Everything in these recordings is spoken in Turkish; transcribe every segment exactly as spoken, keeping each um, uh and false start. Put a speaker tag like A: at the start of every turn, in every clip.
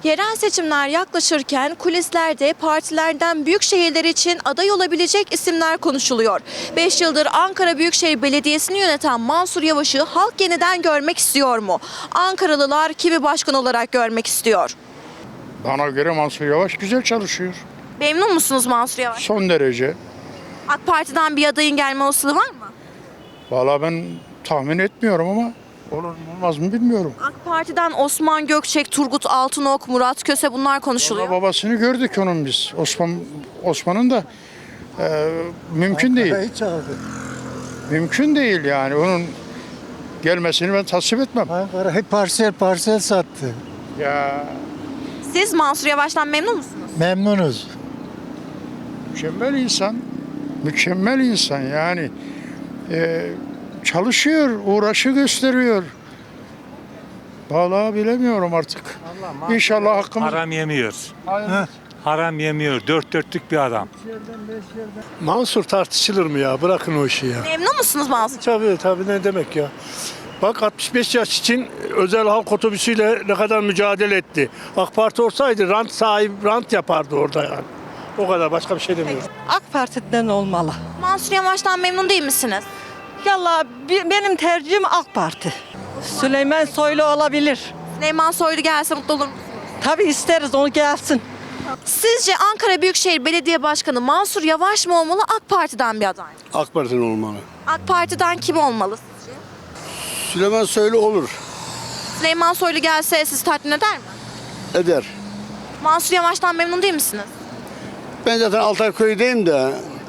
A: Yerel seçimler yaklaşırken kulislerde partilerden büyük şehirler için aday olabilecek isimler konuşuluyor. beş yıldır Ankara Büyükşehir Belediyesi'ni yöneten Mansur Yavaş'ı halk yeniden görmek istiyor mu? Ankaralılar kimi başkan olarak görmek istiyor?
B: Bana göre Mansur Yavaş güzel çalışıyor.
A: Memnun musunuz Mansur Yavaş?
B: Son derece.
A: AK Parti'den bir adayın gelme olasılığı var mı?
B: Vallahi ben tahmin etmiyorum ama olur mu olmaz mı bilmiyorum.
A: AK Parti'den Osman Gökçek, Turgut Altınok, Murat Köse bunlar konuşuluyor.
B: Vallahi babasını gördük onun biz. Osman Osman'ın da e, mümkün değil.
C: Hiç aldı.
B: Mümkün değil yani. Onun gelmesini ben tasvip etmem.
C: Ankara hep parsel parsel sattı.
B: Ya
A: Siz Mansur Yavaş'tan memnun musunuz?
C: Memnunuz.
B: mükemmel insan. Mükemmel insan yani. E, çalışıyor, uğraşı gösteriyor. Vallahi bilemiyorum artık. İnşallah hakkımız...
D: Haram yemiyor.
B: Hayır.
D: Haram yemiyor. Dört dörtlük bir adam.
E: Mansur tartışılır mı ya? Bırakın o işi ya.
A: Memnun musunuz Mansur?
E: Tabii tabii ne demek ya? Bak altmış beş yaş için özel halk otobüsüyle ne kadar mücadele etti. AK Parti olsaydı rant sahibi rant yapardı orada yani. O kadar, başka bir şey demiyorum.
F: AK Parti'den olmalı.
A: Mansur Yavaş'tan memnun değil misiniz?
F: Yallah bi- benim tercihim AK Parti. Süleyman Soylu olabilir.
A: Süleyman Soylu gelse mutlu olur musunuz?
F: Tabii isteriz onu gelsin.
A: Sizce Ankara Büyükşehir Belediye Başkanı Mansur Yavaş mı olmalı, AK Parti'den bir aday mı?
E: AK Parti'nin olmalı.
A: AK Parti'den kim olmalı sizce?
E: Süleyman Soylu olur.
A: Süleyman Soylu gelse sizi tatmin eder mi?
E: Eder.
A: Mansur Yavaş'tan memnun değil misiniz?
E: Ben zaten Altayköy'deyim de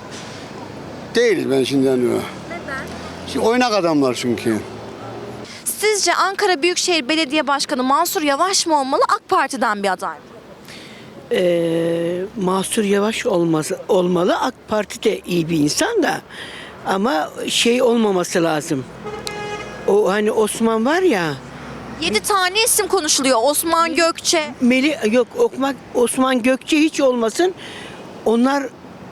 E: değiliz ben şimdi yani.
A: Neden?
E: Şimdi oynak adamlar çünkü.
A: Sizce Ankara Büyükşehir Belediye Başkanı Mansur Yavaş mı olmalı, AK Parti'den bir aday mı?
G: Ee, Mansur Yavaş olması, olmalı. AK Parti de iyi bir insan da ama şey olmaması lazım. O hani Osman var ya,
A: Yedi tane isim konuşuluyor. Osman Gökçe.
G: Meli yok Okmak Osman Gökçe hiç olmasın. Onlar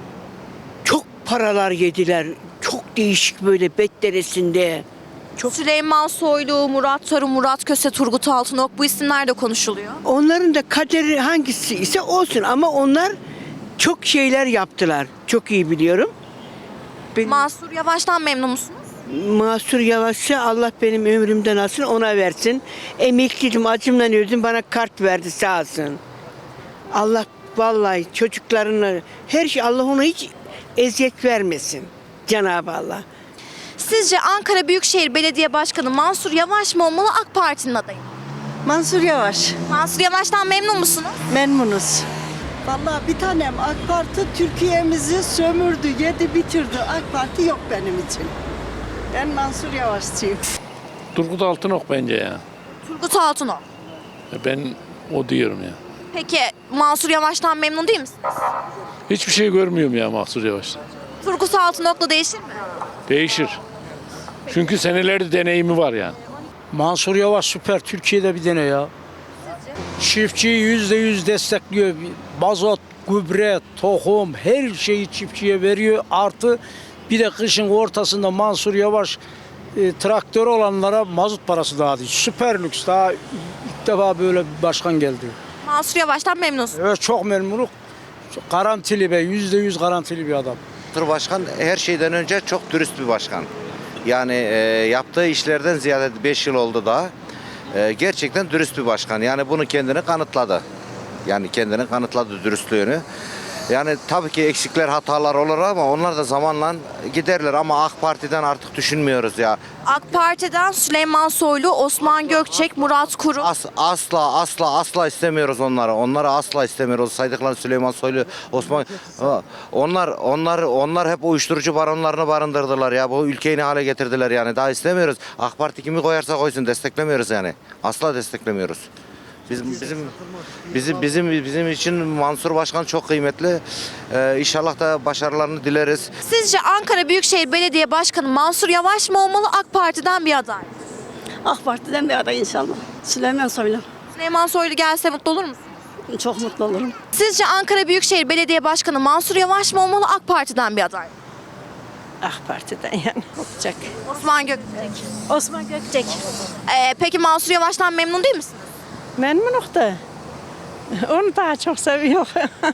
G: çok paralar yediler. Çok değişik böyle betderesinde. Çok.
A: Süleyman Soylu, Murat Tarım, Murat Köse, Turgut Altınok bu isimler de konuşuluyor.
G: Onların da kaderi hangisi ise olsun ama onlar çok şeyler yaptılar. Çok iyi biliyorum. Benim
A: Mansur Yavaş'tan memnun musunuz?
G: Mansur Yavaş'a Allah benim ömrümden alsın, ona versin. Emekliydim, acımdan öldüm, bana kart verdi sağ olsun. Allah vallahi çocuklarına her şey, Allah ona hiç eziyet vermesin. Cenab-ı Allah.
A: Sizce Ankara Büyükşehir Belediye Başkanı Mansur Yavaş mı olmalı, AK Parti'nin adayı mı?
F: Mansur Yavaş.
A: Mansur Yavaş'tan memnun musunuz?
F: Memnunuz. Vallahi bir tanem AK Parti Türkiye'mizi sömürdü, yedi bitirdi. AK Parti yok benim için. Ben Mansur Yavaşçıyım.
H: Turgut Altınok bence ya.
A: Turgut Altınok.
H: Ben o diyorum ya.
A: Peki Mansur Yavaş'tan memnun değil misiniz?
H: Hiçbir şey görmüyorum ya Mansur Yavaş'tan.
A: Turgut Altınok'la değişir mi?
H: Değişir. Çünkü senelerde deneyimi var yani.
I: Mansur Yavaş süper, Türkiye'de bir dene ya. Çiftçiyi yüzde yüz destekliyor. Mazot, gübre, tohum her şeyi çiftçiye veriyor. Artı bir de kışın ortasında Mansur Yavaş e, traktör olanlara mazot parası dağıtıyor. Süper lüks, daha ilk defa böyle bir başkan geldi.
A: Mansur Yavaş'tan memnunsunuz.
I: Evet, çok memnunum. Garantili be, yüzde yüz garantili bir adam.
J: Başkan her şeyden önce çok dürüst bir başkan. Yani e, yaptığı işlerden ziyade beş yıl oldu daha. E, gerçekten dürüst bir başkan. Yani bunu kendini kanıtladı. Yani kendini kanıtladı dürüstlüğünü. Yani tabii ki eksikler, hatalar olur ama onlar da zamanla giderler ama AK Parti'den artık düşünmüyoruz ya.
A: AK Parti'den Süleyman Soylu, Osman Gökçek, Murat Kurum.
J: As, asla asla asla istemiyoruz onları. Onları asla istemiyoruz. Saydıkları Süleyman Soylu, Osman onlar onlar onlar hep uyuşturucu baronlarını barındırdılar ya. Bu ülkeyi ne hale getirdiler yani. Daha istemiyoruz. AK Parti kimi koyarsa koysun desteklemiyoruz yani. Asla desteklemiyoruz. Bizim bizim bizim bizim bizim için Mansur Başkan çok kıymetli. Ee, İnşallah da başarılarını dileriz.
A: Sizce Ankara Büyükşehir Belediye Başkanı Mansur Yavaş mı olmalı, AK Parti'den bir aday mı?
F: AK Parti'den bir aday inşallah. Süleyman Soylu.
A: Süleyman Soylu gelse mutlu olur musunuz?
F: Çok mutlu olurum.
A: Sizce Ankara Büyükşehir Belediye Başkanı Mansur Yavaş mı olmalı, AK Parti'den bir aday mı?
F: AK Parti'den yani olacak.
A: Osman Gökçek.
F: Osman Gökçek.
A: Ee, peki Mansur Yavaş'tan memnun değil misiniz?
F: Memnunum da Onu daha çok seviyor.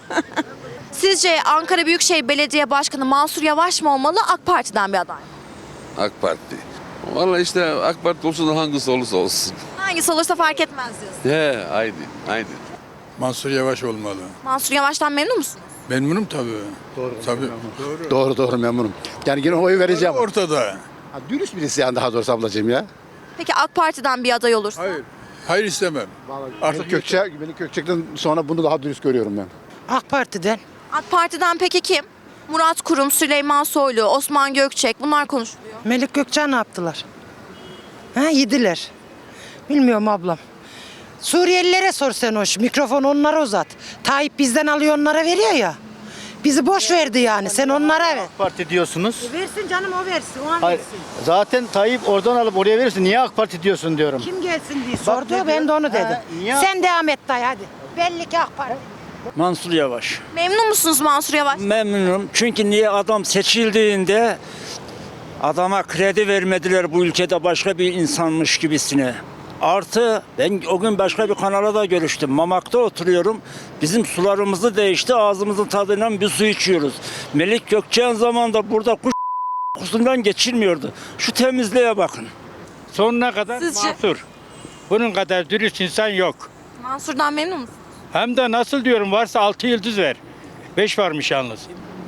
A: Sizce Ankara Büyükşehir Belediye Başkanı Mansur Yavaş mı olmalı, AK Parti'den bir aday mı?
K: AK Parti. Vallahi işte AK Parti olsun da hangisi olursa olsun.
A: Hangisi olursa fark etmez diyorsun.
K: He, haydi, haydi.
C: Mansur Yavaş olmalı.
A: Mansur Yavaş'tan memnun musunuz?
C: Memnunum tabii. Doğru. Tabii. Doğru.
L: Doğru doğru memnunum. Yani yine oy vereceğim.
C: Ortada.
L: Ha, dürüst birisi yani daha doğrusu ablacığım ya.
A: Peki AK Parti'den bir aday olursa?
C: Hayır. Hayır istemem.
L: Artık Gökçe, beni Gökçek'ten sonra bunu daha dürüst görüyorum ben.
G: AK Parti'den.
A: AK Parti'den peki kim? Murat Kurum, Süleyman Soylu, Osman Gökçek bunlar konuşuluyor.
G: Melik Gökçen ne yaptılar? Ha, yediler. Bilmiyorum ablam. Suriyelilere sor sen hoş. Mikrofonu onlara uzat. Tayyip bizden alıyor onlara veriyor ya. Bizi boş verdi yani. Sen onlara ver.
L: AK Parti diyorsunuz.
G: Versin canım o versin. O an
L: Hayır.
G: versin.
L: Zaten Tayyip oradan alıp oraya verirsin. Niye AK Parti diyorsun diyorum.
G: Kim gelsin diye
L: Bak
G: sordu.
L: ne
G: Ben de onu
L: diyor?
G: dedim.
L: Ha, niye-
G: Sen devam et dayı hadi. Belli ki AK Parti.
I: Mansur Yavaş.
A: Memnun musunuz Mansur Yavaş?
I: Memnunum. Çünkü niye adam seçildiğinde adama kredi vermediler bu ülkede başka bir insanmış gibisine. Artı ben o gün başka bir kanala da görüştüm. Mamak'ta oturuyorum. Bizim sularımızı değişti. Ağzımızın tadıyla bir su içiyoruz. Melik Gökçen zamanında burada kuş kokusundan geçilmiyordu. Şu temizliğe bakın.
D: Sonuna kadar
A: Sizce?
D: Mansur. Bunun kadar dürüst insan yok.
A: Mansur'dan memnun musunuz?
D: Hem de nasıl diyorum varsa altı yıldız ver. beş varmış yalnız.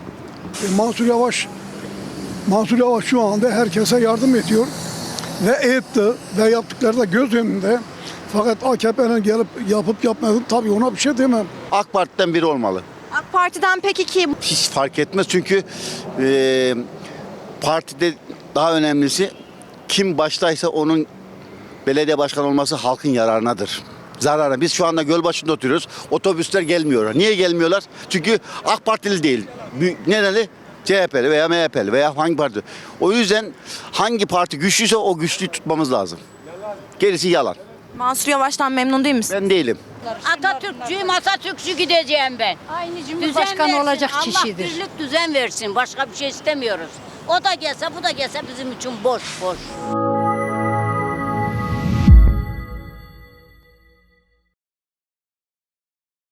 C: Mansur Yavaş Mansur Yavaş şu anda herkese yardım ediyor. Ve etti ve yaptıkları da göz önünde. Fakat A K P'nin gelip yapıp yapmadığını tabii ona bir şey demem.
L: AK Parti'den biri olmalı.
A: AK Parti'den peki kim?
L: Hiç fark etmez çünkü e, partide daha önemlisi kim baştaysa onun belediye başkanı olması halkın yararınadır. Zararına. Biz şu anda Gölbaşı'nda oturuyoruz. Otobüsler gelmiyor. Niye gelmiyorlar? Çünkü AK Partili değil. Nereli? C H P'li veya M H P'li veya hangi parti. O yüzden hangi parti güçlüyse o güçlüyü tutmamız lazım. Gerisi yalan.
A: Mansur Yavaş'tan memnun değil misiniz?
L: Ben değilim.
M: Atatürkçüyüm, Atatürkçü gideceğim ben.
G: Aynı
M: Cumhurbaşkanı olacak kişidir. Allah birlik düzen versin. Başka bir şey istemiyoruz. O da gelse, bu da gelse bizim için boş boş.